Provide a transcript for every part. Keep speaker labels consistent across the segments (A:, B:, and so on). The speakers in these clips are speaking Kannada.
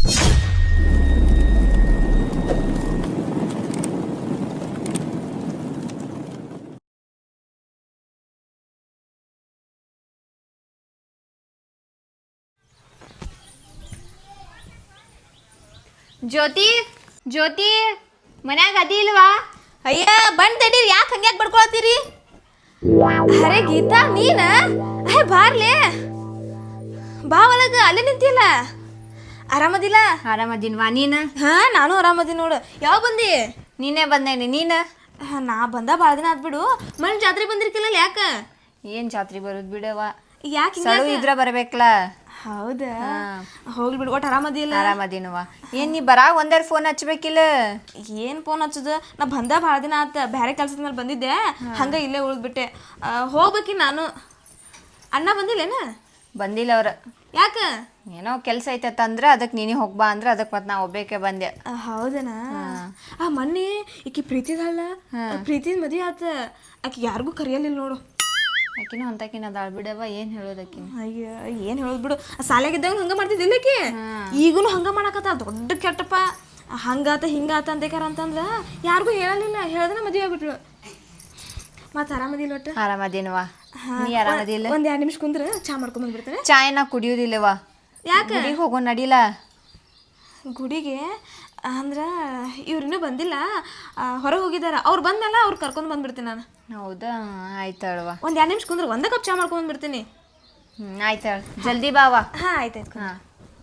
A: ಜ್ಯೋತಿ ಜ್ಯೋತಿ ಮನ್ಯಾಗ ಅದಿ ಇಲ್ವಾ?
B: ಅಯ್ಯ ಬಂದ್ ತಡೀರಿ, ಯಾಕೆ ಹಂಗ್ಯಾಕೆ ಬಡ್ಕೊಳತ್ತೀರಿ? ಅರೆ ಗೀತಾ ನೀನ ಬಾರ್ಲೆ ಬಾ ಒಳಗ ಅಲ್ಲೇ ನಿಂತಿಲ್ಲ. ಆರಾಮದಿಲ್ಲ?
A: ಆರಾಮದಿನ್ವಾ ನೀನು?
B: ಹಾ ನಾನು ಆರಾಮದಿನ ನೋಡು. ಯಾವ ಬಂದಿ?
A: ನೀನೇ ಬಂದೇನಿ. ನೀನು?
B: ನಾ ಬಂದ ಭಾಳ ದಿನ ಆದ್ಬಿಡು. ಮನ್ ಜಾತ್ರೆ ಬಂದಿರ್ಕಿಲ್ಲ ಯಾಕ?
A: ಏನ್ ಜಾತ್ರೆ ಬರೋದು ಬಿಡವ,
B: ಯಾಕೆ
A: ಸಳು ಇದ್ರ ಬರ್ಬೇಕಲ್ಲ.
B: ಹೌದಾ, ಹೋಗ್ಲಿ ಬಿಡು. ಒಟ್ಟು ಆರಾಮದಿಲ್ಲ?
A: ಆರಾಮದಿನವ. ಏನ್ ನೀ ಬರಾಗ ಒಂದೆರಡು ಫೋನ್ ಹಚ್ಬೇಕಿಲ್ಲ?
B: ಏನ್ ಫೋನ್ ಹಚ್ಚುದ, ನಾ ಬಂದ ಭಾಳ ದಿನ ಆತ. ಬೇರೆ ಕೆಲ್ಸದ ಮೇಲೆ ಬಂದಿದ್ದೆ, ಹಂಗ ಇಲ್ಲೇ ಉಳಿದ್ಬಿಟ್ಟೆ. ಹೋಗ್ಬೇಕಿ ನಾನು. ಅಣ್ಣ ಬಂದಿಲ್ಲೇನ?
A: ಬಂದಿಲ್ಲ ಅವ್ರ.
B: ಯಾಕ?
A: ಏನೋ ಕೆಲಸ ಐತತ್ತ ಅಂದ್ರೆ ಅದಕ್ಕೆ ನೀನೇ ಹೋಗ್ಬಾ ಅಂದ್ರೆ ಅದಕ್ಕೆ ಮತ್ತೆ ನಾ ಒಬ್ಬೇಕೆ ಬಂದೆ.
B: ಹೌದನಾ? ಮೊನ್ನೆ ಈಕಿ ಪ್ರೀತಿದಲ್ಲ, ಪ್ರೀತಿದ ಮದುವೆ ಆತ. ಆಕಿ ಯಾರಿಗೂ ಕರಿಯಲಿಲ್ಲ ನೋಡು.
A: ಆಕಿನೂ ಅಂತಕಿನ ಅದಾಳ ಬಿಡವ, ಏನ್ ಹೇಳೋದಕ್ಕಿನ.
B: ಅಯ್ಯ ಏನ್ ಹೇಳೋದು ಬಿಡು. ಶಾಲೆಗಿದ್ದಾಗ ಹಂಗ ಮಾಡ್ತಿದ್ದಿಲ್ಲ ಆಕಿ, ಈಗೂನು ಹಂಗ ಮಾಡಕತ್ತ. ದೊಡ್ಡ ಕೆಟ್ಟಪ್ಪ. ಹಂಗಾತ ಹಿಂಗಾತ ಅಂತೇಕಾರ ಅಂತಂದ್ರ ಯಾರಿಗೂ ಹೇಳಲಿಲ್ಲ. ಹೇಳ್ದನ ಮದುವೆ ಆಗ್ಬಿಟ್ರು. ಮತ್ತೆ ಆರಾಮದಿಲ್ಲ? ಒಟ್ಟು
A: ಆರಾಮದಿನವ. ನೀ ಆರಾಮದಿಲ್ಲ?
B: ಒಂದ್ 2 ನಿಮಿಷ ಕುಂದ್ರ ಚಾ ಮಾಡ್ಕೊಂಡ್ ಬಂದ್ಬಿಡ್ತೇನೆ.
A: ಚಾ ಏನ ಕುಡಿಯೋದಿಲ್ಲವ.
B: ಯಾಕೆ?
A: ಗುಡಿಗೆ ಹೋಗೋ ನಡಿಲ್ಲ.
B: ಗುಡಿಗೆ ಅಂದ್ರ ಇವ್ರಿನ್ನೂ ಬಂದಿಲ್ಲ, ಹೊರಗೆ ಹೋಗಿದಾರ. ಅವ್ರು ಬಂದ್ಮೇಲೆ ಅವ್ರು ಕರ್ಕೊಂಡ್ ಬಂದ್ಬಿಡ್ತೀನಿ ನಾನು.
A: ಹೌದಾ, ಆಯ್ತಳವ.
B: ಒಂದ್ 2 ನಿಮಿಷ ಕುಂದ್ರ, ಒಂದೇ ಕಪ್ ಚಾ ಮಾಡ್ಕೊಂಡ್ ಬಂದ್ಬಿಡ್ತೀನಿ.
A: ಆಯ್ತಾಳ, ಜಲ್ದಿ ಬಾವ.
B: ಹಾ ಆಯ್ತಾಯ್ತು.
A: ಹಾ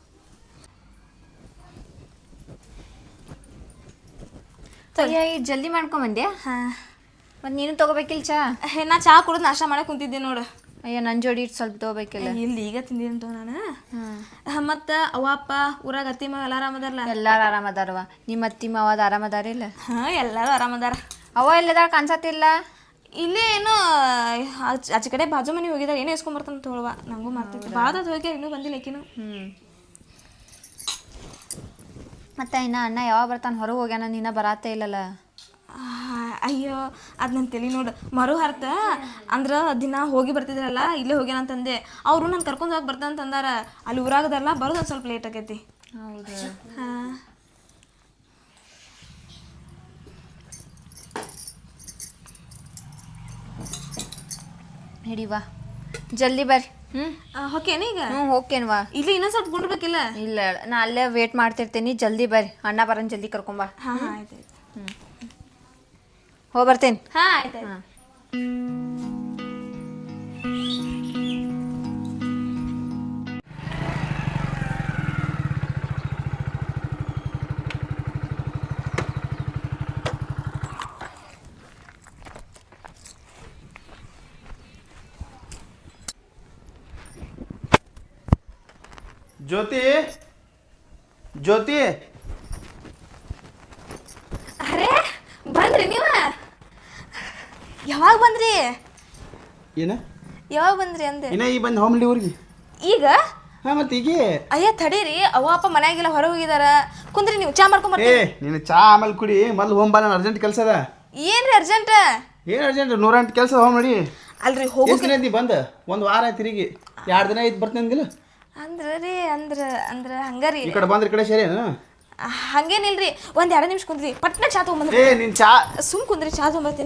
A: ಜಲ್ದಿ ಮಾಡ್ಕೊಂಬಂದ್ಯಾ?
B: ಹಾ
A: ಮತ್ತೆ ನೀನು ತಗೋಬೇಕಿಲ್ಲ ಚಾ?
B: ನಾ ಚಾ ಕುಡಿದು ನಾಷ್ಟ ಮಾಡಕ್ ಕುಂತಿದ್ದೆ ನೋಡು.
A: ಅಯ್ಯ ನನ್ನ ಜೋಡಿ ಇಟ್ಟು ಸ್ವಲ್ಪ ತಗೋಬೇಕಿಲ್ಲ?
B: ಇಲ್ಲಿ ಈಗ ತಿಂದಿರಂತ ನಾನು. ಮತ್ತ ಅವ್ವ ಅಪ್ಪ ಊರಾಗ ಅತ್ತಿ ಮಾವ ಎಲ್ಲ ಆರಾಮದಾರಲ್ಲ?
A: ಎಲ್ಲಾರು ಆರಾಮದಾರವ. ನಿಮ್ಮ ಅತ್ತಿ ಮಾವದ ಆರಾಮದಾರಿಲ್ಲ?
B: ಹಾ ಎಲ್ಲಾರು ಆರಾಮದಾರ.
A: ಅವ ಎಲ್ಲದಾಳ ಕಾಣಿಸತ್ತಿಲ್ಲ?
B: ಇಲ್ಲೇ ಏನೋ ಆಚೆ ಕಡೆ ಬಾಜು ಮನೆ ಹೋಗಿದಾರ, ಏನೋ ಇಸ್ಕೊಂಬರ್ತಾನ ತಗೊಳ್ವ. ನಂಗೂ ಮಾಡ್ತಿದ್ದೆ ಭಾಳ ಹೋಗಿ ಇನ್ನೂ ಬಂದಿಲ್ಲ ಆಕಿನು.
A: ಮತ್ತೆ ಇನ್ನ ಅಣ್ಣ ಯಾವಾಗ ಬರ್ತಾನೆ? ಹೊರಗೆ ಹೋಗ್ಯಾನ, ನೀನ ಬರಾತೇ ಇಲ್ಲಲ್ಲ?
B: ಅಯ್ಯೋ ಅದು ನನ್ನ ತಲೆ ನೋಡು. ಮರು ಹರ್ತ ಅಂದ್ರೆ ದಿನ ಹೋಗಿ ಬರ್ತಿದ್ರಲ್ಲ, ಇಲ್ಲೇ ಹೋಗ್ಯಾನಂತಂದೆ. ಅವರು ನಾನು ಕರ್ಕೊಂಡು ಹೋಗಿ ಬರ್ತಾನಂತಂದಾರ. ಅಲ್ಲಿ ಊರಾಗದಲ್ಲ, ಬರೋದು ಒಂದು ಸ್ವಲ್ಪ ಲೇಟ್ ಆಗೈತಿ.
A: ಹೌದು.
B: ಹಾಂ
A: ಹಿಡಿವಾ, ಜಲ್ದಿ ಬರ್ರಿ.
B: ಓಕೆನ ಈಗ?
A: ಹೋಗ್ತೇನ್ವಾ.
B: ಇಲ್ಲಿ ಇನ್ನೊಂದು ಸ್ವಲ್ಪ ಗುಂಡ್ಬೇಕಿಲ್ಲ?
A: ಇಲ್ಲ, ನಾ ಅಲ್ಲೇ ವೇಟ್ ಮಾಡ್ತಿರ್ತೀನಿ. ಜಲ್ದಿ ಬರ್ರಿ, ಅಣ್ಣ ಬರೋನ್ ಜಲ್ದಿ ಕರ್ಕೊಂಬಾ.
B: ಹಾಂ ಹಾಂ ಆಯ್ತಾಯ್ತು.
A: ಹೋಗಿ ಬರ್ತೇನೆ.
B: ಹಾಂ ಆಯ್ತಾಯ್ತು.
C: ಜ್ಯೋತಿ, ಜ್ಯೋತಿ,
B: ಅರೆ ಬಂದ್ರಿ ನೀವ? ಯಾವಾಗ ಬಂದ್ರಿ?
C: ಏನ
B: ಯಾವಾಗ ಬಂದ್ರಿ ಅಂದೆ?
C: ಇನ್ನ ಈ ಬಂದು ಹೋಮ್ಲಿ ಊರಿಗೆ.
B: ಈಗ?
C: ಹಾಂ ಮತ್ತೆ ಈಗ?
B: ಅಯ್ಯ ತಡೀರಿ, ಅವ್ವ ಅಪ್ಪ ಮನ್ಯಾಗಿಲ್ಲ, ಹೊರ ಹೋಗಿದಾರ. ಕುಂದ್ರಿ, ನೀವು ಚಾ ಮಾಡ್ಕೊಂಬರ್ತೀವಿ.
C: ನೀನು ಚಾ ಆಮೇಲೆ ಕುಡಿ, ಮೊದ್ಲು ಹೋಮ್ ಬಾ. ನಾನು ಅರ್ಜೆಂಟ್ ಕೆಲಸ ಅದ.
B: ಏನ್ರಿ ಅರ್ಜೆಂಟ್?
C: ಏನು ಅರ್ಜೆಂಟ್? 108 ಕೆಲಸ ಹೋಮ್ ನೋಡಿ.
B: ಅಲ್ರಿ ಹೋಗಿ
C: ಬಂದು 1 ವಾರ ಆಯ್ತು, ತಿರುಗಿ 2 ದಿನ ಆಯ್ತು ಬರ್ತೀನಿ ಅಂದಿಲ್ಲ?
B: ಅಂದ್ರೆ ರೀ ಅಂದ್ರೆ ಹಂಗಾರಿ
C: ಈ ಕಡೆ ಬಂದ್ರೆ ಈ ಕಡೆ ಸರಿ ಏನು?
B: ಹಂಗೇನಿಲ್ರಿ, ಒಂದ್ 2 ನಿಮಿಷ ಕುಂದ್ರಿ, ಪಟ್ನ ಚಾ ತಗೊಂಬಂದ್ರಿ.
C: ನೀನು ಚಾ
B: ಸುಮ್ ಕುಂದ್ರಿ, ಚಾ ತಗೊಂಬರ್ತೀನಿ.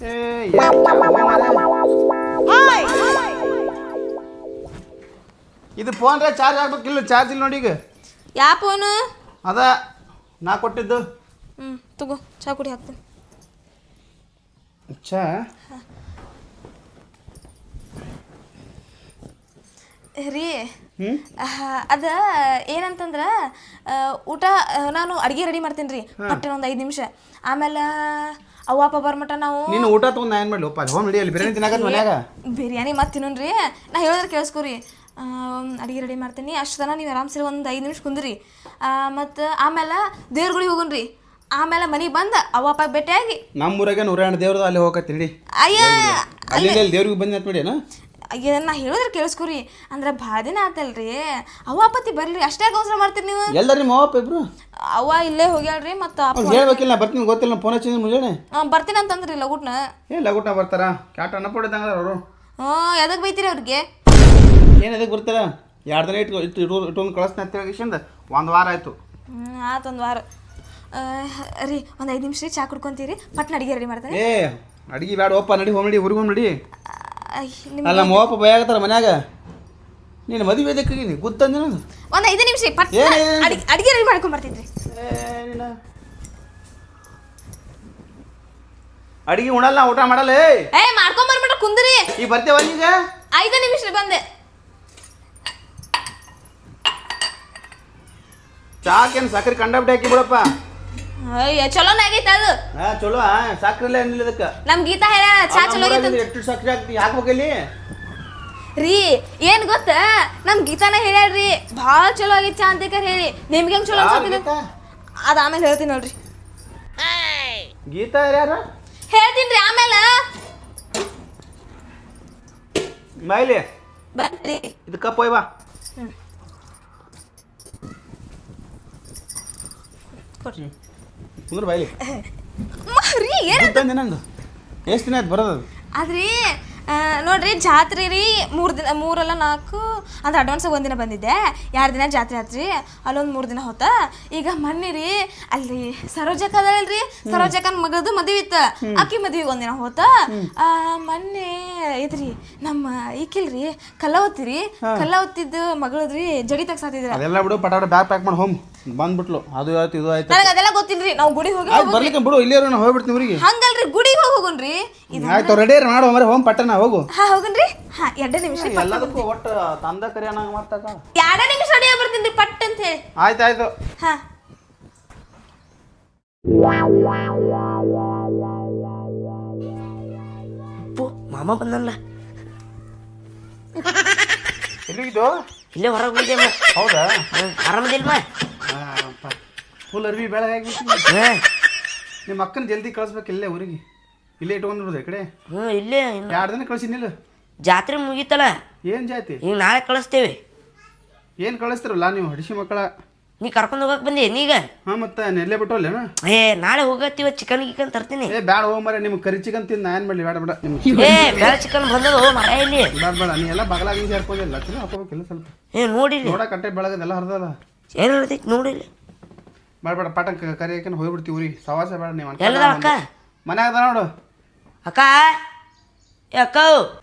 C: ಇದು ಫೋನ್ ಚಾರ್ಜ್ ಆಗ್ಬೇಕಿಲ್ಲ? ಚಾರ್ಜ್ ಇಲ್ಲ ನೋಡಿ ಈಗ.
B: ಯಾ ಫೋನು?
C: ಅದ ನಾ ಕೊಟ್ಟಿದ್ದು.
B: ತಗೋ, ಚಾ ಕುಡಿ ಹಾಕ್ತೀನಿ.
C: ಚಾ
B: ರೀ, ಅದ ಏನಂತಂದ್ರ ಊಟ ನಾನು ಅಡುಗೆ ರೆಡಿ ಮಾಡ್ತೀನಿ ರೀ, ಪಟ್ಟೆ ಒಂದು 5 ನಿಮಿಷ. ಆಮೇಲೆ ಅವ್ವ ಅಪ್ಪ ಬರ್ಮಟ ನಾವು
C: ನೀನು ಊಟ ತೊಗೊಂಡು ನಾ ಏನು ಮಾಡಲಿ? ಹೋಮ್ ರೆಡಿ ಅಲ್ಲಿ ಬಿರಿಯಾನಿ ತಿನ್ನಾಕ ಮನ್ಯಾಗ.
B: ಬಿರಿಯಾನಿ ಮತ್ತೆ ತಿನ್ನೋಣ್ರಿ. ನಾ ಹೇಳಿದ್ರೆ ಕೇಳಿಸ್ಕೊರಿ. ಅಡುಗೆ ರೆಡಿ ಮಾಡ್ತೀನಿ. ಅಷ್ಟು ತನ ನೀವು ಆರಾಮ್ಸರಿ ಒಂದು 5 ನಿಮಿಷ ಕುಂದ್ರಿ. ಮತ್ತು ಆಮೇಲೆ ದೇವ್ರ ಗುಡಿಗೆ ಹೋಗೋಣ್ರಿ. ಆಮೇಲೆ ಮನೆಗೆ ಬಂದು ಅವ್ವ ಅಪ್ಪ ಭೇಟಿಯಾಗಿ
C: ನಮ್ಮೂರಾಗೆ 108 ದೇವ್ರದ ಅಲ್ಲಿ ಹೋಗತ್ತೀರಿ.
B: ಅಯ್ಯ
C: ಅಲ್ಲಿ ದೇವ್ರಿಗೆ ಬಂದು ಅಂತ ಬಿಡೇನ?
B: ಅಯ್ಯ ನಾ ಹೇಳಿದ್ರೆ ಕೇಳಿಸ್ಕೊರಿ. ಅಂದ್ರೆ ಭಾಳ ದಿನ ಆತಲ್ರಿ, ಅವ್ವ ಅಪ್ಪತ್ತಿ ಬರ್ಲಿ, ಅಷ್ಟೇ ಅವಸರ ಮಾಡ್ತೀರಿ ನೀವು.
C: ಎಲ್ಲರೂ ನಿಮ್ಮ ಅವ್ವ ಇಬ್ರು?
B: ಅವ್ವ ಇಲ್ಲೇ ಹೋಗ್ಯಾಳ್ರಿ. ಮತ್ತು ಅಪ್ಪ
C: ಹೇಳ್ಬೇಕಿಲ್ಲ, ನಾ ಬರ್ತೀನಿ ಗೊತ್ತಿಲ್ಲ. ಫೋನ್ ಹಚ್ಚಿದ್ರೆ ಮುಂಜಾನೆ
B: ಬರ್ತೀನಿ ಅಂತಂದ್ರಿ ಲಗುಟ್ನ.
C: ಲಗುಟ್ನ ಬರ್ತಾರ? ಕ್ಯಾಟ ಅನ್ನಪಡಿದಂಗ ಅವರು.
B: ಎದಕ್ಕೆ ಬೈತೀರಿ ಅವ್ರಿಗೆ?
C: ಏನು ಎದಕ್ಕೆ ಬರ್ತಾರ? 2 ದಿನ ಇಟ್ಕೊಂಡು ಕಳಿಸ್ತೀನಿ ಅಂತ ಹೇಳಿ 1 ವಾರ ಆಯಿತು.
B: ಆತು ಒಂದು ವಾರ ರೀ ಒಂದು 5 ನಿಮಿಷ ರೀ ಚಾ ಕುಡ್ಕೊಂತೀರಿ ಪಟ್ನ ಅಡಿಗೆ ರೆಡಿ ಮಾಡ್ತೇನೆ
C: ಏ ಅಡಿಗೆ ಬೇಡ ಒಪ್ಪ ನಡಿ ಹೋಗಿ ನಡಿ ಊರಿಗೆ ಹೋಗಿ ನಡಿ
B: ನಿಮ್ಮ
C: ಅಲ್ಲ ನಮ್ಮ ಅಪ್ಪ ಭಯ ಮನ್ಯಾಗ ನೀನು ಮದುವೆ ಇದಕ್ಕೆ ಗೊತ್ತಂದ
B: ಒಂದು 5 ನಿಮಿಷ ಪಟ್ನ ಅಡಿಗೆ ರೆಡಿ ಮಾಡ್ಕೊಂಡ್ ಬರ್ತಿದ್ರಿ
C: ಅಡಿಗೆ ಉಣಲ್ಲ ಊಟ ಮಾಡಲ್ಲ
B: ಮಾಡ್ಕೊಂಡ್ ಬರ್ಬಿಟ್ರೆ ಕುಂದ್ರಿ
C: ಈಗ ಬರ್ತೇವ ಈಗ
B: 5 ನಿಮಿಷ ರೀ ಬಂದೆ
C: ಚಾಕೇನು ಸಕ್ಕರೆ ಕಂಡಬಿಟ್ಟು ಹಾಕಿ ಬಿಡಪ್ಪ
B: ಅಯ್ಯ ಚಲೋನ ಆಗೈತೆ ಅದು
C: ಚಲೋ ಸಕ್ಕರೆ ಇಲ್ಲ ಏನಿಲ್ಲ ಇದಕ್ಕೆ
B: ನಮ್ ಗೀತಾ ಹೇಳ ಚಾ ಚಲೋ ಆಗೈತೆ
C: ಎಷ್ಟು ಸಕ್ಕರೆ ಹಾಕ್ತಿ ಹಾಕ್ಬೇಕಲ್ಲಿ
B: ರೀ ಏನ್ ಗೊತ್ತ ನಮ್ ಗೀತಾನ ಹೇಳ್ಯಾಳ್ರಿ ಭಾಳ ಚಲೋ ಆಗೈತೆ ಚಾ ಅಂತ ಹೇಳಿ ನಿಮ್ಗೆ ಹೆಂಗ್ ಚಲೋ ಅನ್ಸತ್ತಿಲ್ಲ ಅದ ಆಮೇಲೆ ಹೇಳ್ತೀನಿ ನೋಡ್ರಿ
C: ಗೀತಾ ಯಾರು
B: ಹೇಳ್ತೀನಿ ಆಮೇಲೆ
C: ಮೈಲಿ
B: ಬರ್ರಿ
C: ಇದು ಕಪ್ ಒಯ್ ಬಾ
B: ಕೊಡ್ರಿ
C: ಕುಂದ್ರ ಬಾಯ್ಲಿ
B: ರೀ ಏನ
C: ನಂದು ಎಷ್ಟು ದಿನ ಆಯ್ತು ಬರೋದು
B: ಆದ್ರಿ ನೋಡ್ರಿ ಜಾತ್ರೆ ರೀ 3 ದಿನ 3 ಅಲ್ಲ 4 ಅಂದ್ರೆ ಅಡ್ವಾನ್ಸಾಗಿ 1 ದಿನ ಬಂದಿದ್ದೆ 2 ದಿನ ಜಾತ್ರೆ ಆತ್ರಿ ಅಲ್ಲೊಂದು 3 ದಿನ ಹೋತ ಈಗ ಮೊನ್ನೆ ರೀ ಅಲ್ಲಿ ಸರೋಜಕ್ಕ ಅದಲ್ರಿ ಸರೋಜಕ್ಕನ ಮಗಳದು ಮದುವೆ ಇತ್ತು ಆಕಿ ಮದುವೆಗೆ 1 ದಿನ ಹೋತ ಮೊನ್ನೆ ಇದ್ರಿ ನಮ್ಮ ಈಕಿಲ್ರಿ ಕಲ್ಲವತ್ತಿರಿ ಕಲ್ಲವತ್ತಿದ್ದು ಮಗಳದ್ರಿ ಜಡಿ ತೆಗ್ಸಾತಿದ್ರ
C: ಅದೆಲ್ಲ ಬಿಡು ಪಟಾಟ ಬ್ಯಾಗ್ ಪ್ಯಾಕ್ ಮಾಡಿ ಹೋಮ್ ಬಂದ್ಬಿಟ್ಲು ಅದು ಆಯ್ತು ಇದು ಆಯ್ತು
B: ನನಗೆ ಅದೆಲ್ಲ ಗೊತ್ತಿಲ್ರಿ ನಾವು ಗುಡಿಗೆ ಹೋಗಿ
C: ಬರ್ಲಿಕ್ಕೆ ಬಿಡು ಇಲ್ಲೇ ನಾವು ಹೋಗ್ಬಿಡ್ತೀವಿ ಊರಿಗೆ
B: ಹಂಗಲ್ರಿ ಗುಡಿಗೆ ಹೋಗೋಣ್ರಿ
C: ಆಯ್ತು ರೆಡಿ ಮಾಡು ಮರೆ ಹೋಮ್ ಪಟ್ಟಣ ಹೋಗು
B: ಹೋಗನ್ರಿ 2 ನಿಮಿಷ
C: ಎಲ್ಲದಕ್ಕೂ ಒಟ್ಟು ತಂದ ಕರಿ ಅನ್ನಂಗ ಮಾಡ್ತಾಕ
B: 2 ನಿಮಿಷ ರೆಡಿ ಬರ್ತೀನಿ ಪಟ್ ಅಂತ ಹೇಳಿ
C: ಆಯ್ತಾಯ್ತು
B: ಹಾ
D: ಮಾಮ ಬಂದಲ್ಲ
C: ಎಲ್ಲಿಗಿದ್ದು
D: ಇಲ್ಲೇ ಹೊರಗೆ ಹೋಗಿದ್ದೆ
C: ಹೌದಾ
D: ಆರಾಮದಿಲ್ಮ
C: ಫುಲ್ ಅರ್ವಿ ಬೆಳಗಾಗಿ ನಿಮ್ಮ ಅಕ್ಕನ ಜಲ್ದಿ ಕಳಿಸ್ಬೇಕು ಇಲ್ಲೇ ಊರಿಗೆ ಇಲ್ಲೇ ಇಟ್ಕೊಂಡ್ಬಿಡುದು ಈ ಕಡೆ
D: ಇಲ್ಲೇ
C: 2 ದಿನ ಕಳಿಸಿನಿಲ್ಲ
D: ಜಾತ್ರೆ ಮುಗೀತಲ್ಲ
C: ಏನು ಜಾತಿ
D: ಈಗ ನಾಳೆ ಕಳಿಸ್ತೇವೆ
C: ಏನು ಕಳಿಸ್ತಿರಲ್ಲ ನೀವು ಹಡಿಸಿ ಮಕ್ಕಳ
D: ನೀ ಕರ್ಕೊಂಡು ಹೋಗಕ್ಕೆ ಬಂದಿ ನೀಗ
C: ಹಾಂ ಮತ್ತೆ ನೆಲ್ಲೇ ಬಿಟ್ಟೋಲ್ಲೇನ
D: ನಾಳೆ ಹೋಗತ್ತೀವ ಚಿಕನ್ ಗಿಕನ್ ತರ್ತೀನಿ
C: ಬ್ಯಾಡ ಹೋಗ್ ಮರೆ ನಿಮ್ಗೆ ಕರಿ ಚಿಕನ್ ತಿಂದು ನಾ ಏನು ಮಾಡಲಿ ಬೇಡ ಬೇಡ ನಿಮ್ಗೆ
D: ಬೇಡ ಚಿಕನ್ ಬಂದದು ಮರ ಇಲ್ಲಿ
C: ಬೇಡ ಬೇಡ ನೀ ಎಲ್ಲ ಬಗಲಾಗಿ ಸೇರ್ಕೊಂಡಿಲ್ಲ ಚಲೋ ಹಾಕೋಬೇಕಿಲ್ಲ ಸ್ವಲ್ಪ
D: ನೋಡಿರಿ
C: ನೋಡ ಕಟ್ಟೆ ಬೆಳಗದೆಲ್ಲ ಹರಿದಲ್ಲ
D: ಏನು ಹೇಳ್ತೈತಿ ನೋಡಿರಿ
C: ಬೇಡ ಬೇಡ ಪಾಠ ಕರಿ ಹಾಕೊಂಡು ಹೋಗ್ಬಿಡ್ತೀವಿ ಊರಿಗೆ ಸವಾಸ ಬೇಡ ನೀವು
D: ಎಲ್ಲದ ಅಕ್ಕ
C: ಮನ್ಯಾಗ ಅದ ನೋಡು
D: ಅಕ್ಕ ಅಕ್ಕ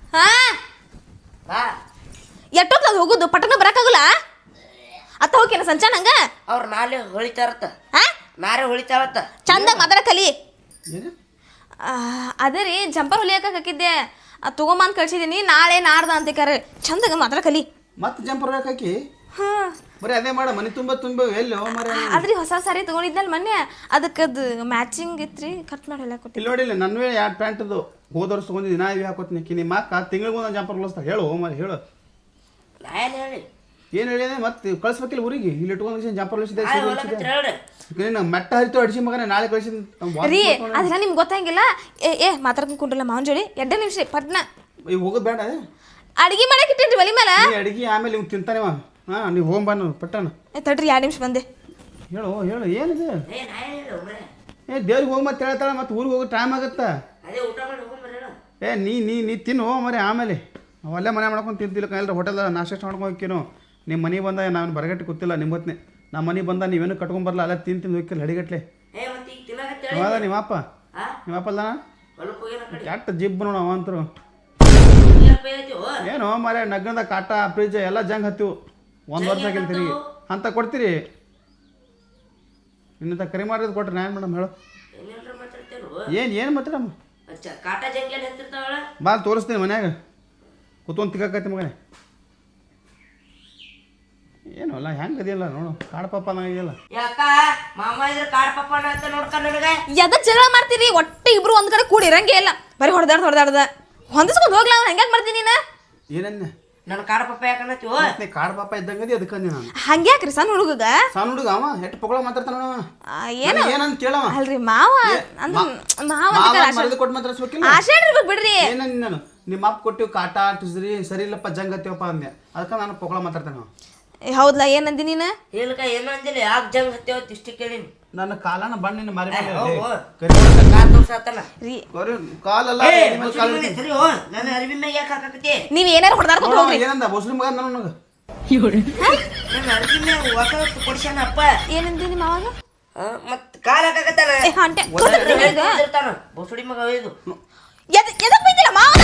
B: ಎಷ್ಟೊತ್ತು ಹೋಗುದು ಪಟ್ಟಣ ಬರಕ್ಕಾಗಲ್ಲ ಅತ್ತ ಹೋಗ್ಯನ ಸಂಚಾನ ಹಂಗ
D: ಅವ್ರು ನಾಳೆ ಹೊಳಿತಾರತ್ತ ನಾಳೆ ಹೊಳಿತಾರತ್ತ
B: ಚಂದ ಮಾತಾಡ ಕಲಿ
C: ಏನು
B: ಅದೇ ರೀ ಜಂಪರ್ ಹೊಲಿಯಕ್ಕೆ ಹಾಕಿದ್ದೆ ತಗೊಂಬಂದು ಕಳ್ಸಿದ್ದೀನಿ ನಾಳೆ ನಾಡ್ದ ಅಂತ ಕರೆ ಚಂದಾಗ ಮಾತಾಡ ಕಲಿ
C: ಮತ್ತೆ ಜಂಪರ್ ಹಾಕಿ
B: ಹಾಂ
C: ಬರೀ ಅದೇ ಮಾಡ ಮನೆ ತುಂಬ ಎಲ್ಲಿ ಹೋ ಮರ
B: ಆದ್ರಿ ಹೊಸ ಸಾರಿ ತಗೊಂಡಿದ್ನಲ್ಲ ಮೊನ್ನೆ ಅದಕ್ಕದು ಮ್ಯಾಚಿಂಗ್ ಇತ್ರಿ ಕಟ್ ಮಾಡಿ ಹೊಲಿಯಕ್ಕೆ ಕೊಟ್ಟಿದ್ದೆ
C: ಇಲ್ಲಿ ನೋಡಿಲ್ಲ ನನ್ವೇ 2 ಪ್ಯಾಂಟದು ಹೋದ ವರ್ಷ ತೊಗೊಂಡಿದ್ದು ನಾ ಇವು ಹಾಕೋತೀನಿ ನಿಮ್ಮ ಅಕ್ಕ ತಿಂಗಳಿಗೆ ಒಂದು ಜಂಪರ್ ಹೊಲಿಸ್ತಾ ಹೇಳು ಹೋ ಮರ ಹೇಳು
D: ನಾ ಏನು ಹೇಳಿ
C: ಏನು ಹೇಳಿದೆ ಮತ್ತೆ ಕಳಿಸ್ಬೇಕಿಲ್ಲ ಊರಿಗೆ ಇಲ್ಲಿ ಇಟ್ಕೊಂಡು ಜಂಪರ್ ಹೊಲಿಸಿದೆ ನೀನು ಮೆಟ್ಟ ಹರಿತು ಅಡಿಸಿ ಮಗನೇ ನಾಳೆ ಕಳಿಸಿದ
B: ರೀ ಅದೆಲ್ಲ ನಿಮ್ಗೆ ಗೊತ್ತಾಗಿಲ್ಲ ಏ ಮಾತಾಡ್ಕೊಂಡು ಕುಂಡ್ರಲ್ಲ ಮಾವನ್ ಜೋಡಿ 2 ನಿಮಿಷ ಪಟ್ನ
C: ಈಗ ಹೋಗೋದು ಬೇಡ
B: ಅಡಿಗೆ ಮಾಡಕ್ಕೆ ಇಟ್ಟೇನ್ರಿ ಒಲಿ ಮೇಲೆ
C: ಅಡಿಗೆ ಆಮೇಲೆ ಇವ್ ತಿಂತಾನೆ ಹಾಂ ನೀವು ಹೋಗಿ ಬಾ ಪಟ್ಟಣ
B: ತಡ್ರಿ 2 ನಿಮಿಷ ಬಂದೆ
C: ಹೇಳು ಹೇಳು ಏನಿದೆ ದೇವ್ರಿಗೆ ಹೋಗಿ ಮತ್ತೆ ಹೇಳ್ತಾಳೆ ಮತ್ತೆ ಊರಿಗೆ ಹೋಗೋ ಟೈಮ್ ಆಗುತ್ತಾ ನೀ ತಿನ್ನು ಮರಿ ಆಮೇಲೆ ಅಲ್ಲೇ ಮನೆ ಮಾಡ್ಕೊಂಡು ತಿಂತಿಲ್ಲ ಎಲ್ಲರೂ ಹೋಟೆಲ್ದಾಗ ನಾಷ್ಟ ಮಾಡ್ಕೊಂಡು ಹೋಗ್ಕೇನು ನಿಮ್ಮ ಮನೆಗೆ ಬಂದ ನಾನು ಬರಗಟ್ಟೆ ಗೊತ್ತಿಲ್ಲ ನಿಮ್ಮ ಹೊತ್ತಿನ ನಮ್ಮ ಮನೆಗೆ ಬಂದ ನೀವೇನು ಕಟ್ಕೊಂಬರಲ್ಲ ಅಲ್ಲ ತಿಂದು ಹೋಗಿಲ್ಲ ಹಡಿಗಟ್ಲೆ ಹೌದಾ ನಿಮ್ಮಪ್ಪ ಅಲ್ಲಣ್ಣ ಕೆಟ್ಟ ಜಿಬ್ಬು ನೋಡು ಅವಂತರು ಏನು ಮರೆ ನಗ್ಗದ ಕಾಟ ಫ್ರಿಜ್ ಎಲ್ಲ ಜಂಗ್ ಹತ್ತಿವು 1 ವರ್ಷ ಆಗಿಲ್ತೀರಿ ಅಂತ ಕೊಡ್ತೀರಿ ಇನ್ನಂತ ಕರಿ ಮಾಡಿದ್ ಕೊಟ್ರಿ ನಾನು ಮೇಡಮ್ ಹೇಳು ಏನು ಮಾತಾಡಮ್ಮ ಬಾ ತೋರಿಸ್ತೀನಿ ಮನ್ಯಾಗ ಕೂತ್ಕೊಂಡು ತಿಕ್ಕೈತಿ ಮಗನೇ ಏನು ಅಲ್ಲ ಹೆಂಗೆ ಅದಿಲ್ಲ ನೋಡು ಕಾಡು ಪಾಪ ಇದೆಯಲ್ಲ
B: ಎದಕ್ ಜಗಳ ಮಾಡ್ತೀರಿ ಒಟ್ಟೆ ಇಬ್ರು ಒಂದ್ ಕಡೆ ಕೂಡಿ ಇರಂಗೆ ಇಲ್ಲ ಬರೀ ಹೊಡೆದಾಡ್ದ ಹೊಂದಿಸ್ಕೊಂಡು ಹೋಗ್ಲಾ ಹೆಂಗ್ ಮಾಡ್ತೀನಿ ನೀನು
C: ಏನನ್ನ
D: ನನ್ನ ಕಾಡ ಪಪ್ಪ ಯಾಕನ್ನತ್ತೀವೋ
C: ಕಾಡು ಪಾಪ ಇದ್ದಂಗದಿ ಅದಕ್ಕೆ ನಾನು
B: ಹಂಗ್ಯಾಕ್ರಿ ಸಣ್ಣ ಹುಡುಗ
C: ಸಣ್ಣ ಹುಡುಗ ಅವ ಎಷ್ಟು ಪೊಗಳ ಮಾತಾಡ್ತಾನ
B: ಏನು
C: ಏನಂತ ಕೇಳವ
B: ಅಲ್ರಿ ಮಾವ ಅಂದ್ರೆ ಮಾವ
C: ಕೊಟ್ಟು ಮಾತಾಡ್ಸ್ಬೇಕಿಲ್ಲ
B: ಆಶೆ ಇರ್ಬೇಕು ಬಿಡ್ರಿ
C: ಏನಂದ ನಾನು ನಿಮ್ಮ ಅಪ್ಪ ಕೊಟ್ಟಿವ್ ಕಾಟ ಸರಿ ಇಲ್ಲಪ್ಪ ಜಂಗತ್ತೀವಪ್ಪ ಅಂದೆ ಅದಕ್ಕೆ ನಾನು ಪೊಗಳ ಮಾತಾಡ್ತಾನ
B: ಹೌದಾ ಏನಂದಿ ನೀನು
D: ಇಲ್ಕ ಏನು ಅಂದಿಲ್ಲ ಯಾಕೆ ಜಂಗ್ ಹತ್ತೇವತ್ ಇಷ್ಟು ಕೇಳೀನಿ
C: ನನ್ನ ಕಾಲನ ಬಣ್ಣಿನ ಮಾರಿ ಕಾಲಲ್ಲ
D: ನನ್ನ ಅರಿವಿ ಮ್ಯಾಗ ಯಾಕೆ ಹಾಕಕತ್ತಿ
B: ನೀವ್ ಏನಾರು ಹೊಡೆದಾಡ್ಕೊಂಡು ಹೋಗ್ರಿ
C: ಏನಂದ ಮುಸ್ಲಿಂ ಮಗ ನನಗೆ
D: ನನ್ನ ಅರ್ಜಿನ ಹೊಸ ಕೊಡ್ಸ್ಯಾನ ಅಪ್ಪ.
B: ಏನಂದ್ರಿ ನಿಮ್ಮ ಅವಾಗ
D: ಮತ್ ಕಾಲ್ ಹಾಕಾಕತ್ತಾನ.
B: ಹೊಂಟೆ
D: ಇರ್ತಾನ ಬಸುಡಿ ಮಗ ಇದು.
B: ಎದಕ್ ಬೈತಿಲ್ಲ ಮಾವ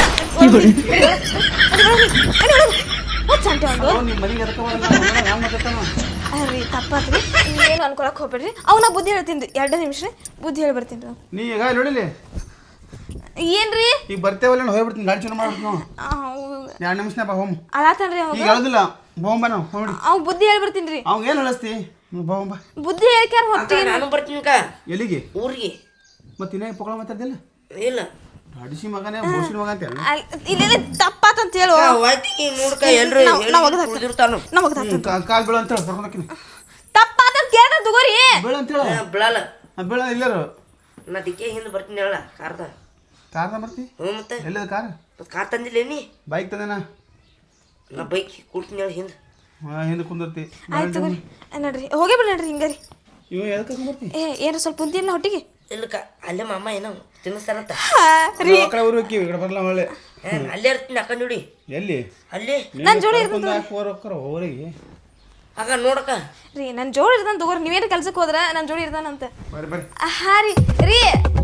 B: ಸಂಟೆ ಒಂದು
C: ನಿಮ್ಮ ಮನೆಗೆ ಎದಕ್ಕೆ ಹ್ಯಾಂಗ ಮಾತಾಡ್ತಾನ
B: ಅರ್ರಿ ತಪ್ಪಾತ್ರಿ ಏನು ಅನ್ಕೊಳಕ್ ಹೋಗ್ಬೇಡ್ರಿ ಅವನ ಬುದ್ಧಿ ಹೇಳ್ತೀನಿ ರೀ 2 ನಿಮಿಷ ರೀ ಬುದ್ಧಿ ಹೇಳಿ ಬರ್ತೀನಿ ರೀ
C: ನೀ ಈಗ ನೋಡಿಲಿ
B: ಏನ್ರಿ
C: ಈಗ ಬರ್ತೇವಲ್ಲ ಹೋಗ್ಬಿಡ್ತೀನಿ ಗಾಡಿ ಚಲೋ ಮಾಡ್ಬಿಟ್ಟು ನಾವು 2 ನಿಮಿಷನೇ ಬಾ ಹೋಮ್
B: ಅಲಾತನ್ರಿ
C: ಈಗ ಹೇಳೋದಿಲ್ಲ ಬೋಂಬ ನಾವು ನೋಡಿ
B: ಅವ್ ಬುದ್ಧಿ ಹೇಳಿ ಬರ್ತೀನಿ ರೀ
C: ಅವ್ಗೆ ಏನು ಹೇಳಿಸ್ತಿ ಬೋಂಬ
B: ಬುದ್ಧಿ ಹೇಳ್ಕ್ಯಾರ ಹೊತ್ತಿ
D: ನಾನು ಬರ್ತೀನಿ
C: ಎಲ್ಲಿಗೆ
D: ಊರಿಗೆ.
C: ಮತ್ತೆ ಇನ್ನೇ ಪೊಗಳ ಮಾತಾಡ್ದಿಲ್ಲ
D: ಇಲ್ಲ
C: ಅಡಿಸಿ ಮಗನೇ ಬೋಸಿನ ಮಗ ಅಂತ
B: ಇಲ್ಲ ತಪ್ಪಾತಂತ ಹೇಳು
D: ವಾಯ್ತಿಗೆ ನೋಡ್ಕ ಎಲ್ರು ಕುಡಿದಿರ್ತಾನು.
C: ಕಾಲ್ ಬೀಳ ಅಂತ ಹೇಳಿ ಬರ್ಕೊಂಡಾಕಿನಿ
B: ತಪ್ಪಾತಂತ ಕೇಳ ತಗೋರಿ
C: ಬೀಳ ಅಂತ ಹೇಳ
D: ಬಿಳಲ್ಲ
C: ಬೀಳ ಇಲ್ಲರು
D: ನಾ ದಿಕ್ಕೆ ಹಿಂದೆ ಬರ್ತೀನಿ ಹೇಳ ಕಾರ್ದ.
C: ಕಾರ್ದ ಬರ್ತಿ
D: ಮತ್ತೆ
C: ಎಲ್ಲಿದ ಕಾರ್
D: ಮತ್ತೆ ಕಾರ್ ತಂದಿಲ್ಲ ನೀ?
C: ಬೈಕ್ ತಂದೇನಾ
D: ನಾ ಬೈಕ್ ಕೊಡ್ತೀನಿ ಹೇಳಿ ಹಿಂದೆ.
C: ಹಿಂದೆ ಕುಂದಿರ್ತಿ
B: ಆಯ್ತು ತಗೋರಿ ನೋಡ್ರಿ ಹೋಗೇ ಬಿಡ ನೋಡ್ರಿ ಹಿಂಗಾರಿ
C: ಇವ ಎದಕ್ಕೆ ಬರ್ತಿ
B: ಏನಾರ ಸ್ವಲ್ಪ ಬುದ್ಧಿ ಇಲ್ಲ ಹೊಟ್ಟಿಗೆ
D: ಇಲ್ಲಕ್ಕ ಅಲ್ಲೇ ಮಾಮ ಏನೋ ತಿನ್ನಿಸ್ತಾರಂತ.
C: ಆ ಕಡೆ ಊರು ಈ ಕಡೆ ಬರಲ್ಲ ಒಳ್ಳೆ
D: ಅಲ್ಲೇ ಇರ್ತೀನಿ ಅಕ್ಕ ನೋಡಿ.
C: ಎಲ್ಲಿ
D: ಅಲ್ಲಿ
B: ನನ್ನ ಜೋಡಿ
C: ಊರಿಗೆ
D: ಆಗ ನೋಡಕ್ಕ
B: ರೀ ನನ್ನ ಜೋಡಿ ಇರ್ತಾನೆ ತಗೋರಿ ನೀವೇನು ಕೆಲ್ಸಕ್ಕೆ ಹೋದ್ರ ನನ್ನ ಜೋಡಿ ಇರ್ತಾನಂತ
C: ಬರ್ರಿ ಬರ್ರಿ
B: ಹಾ ರೀ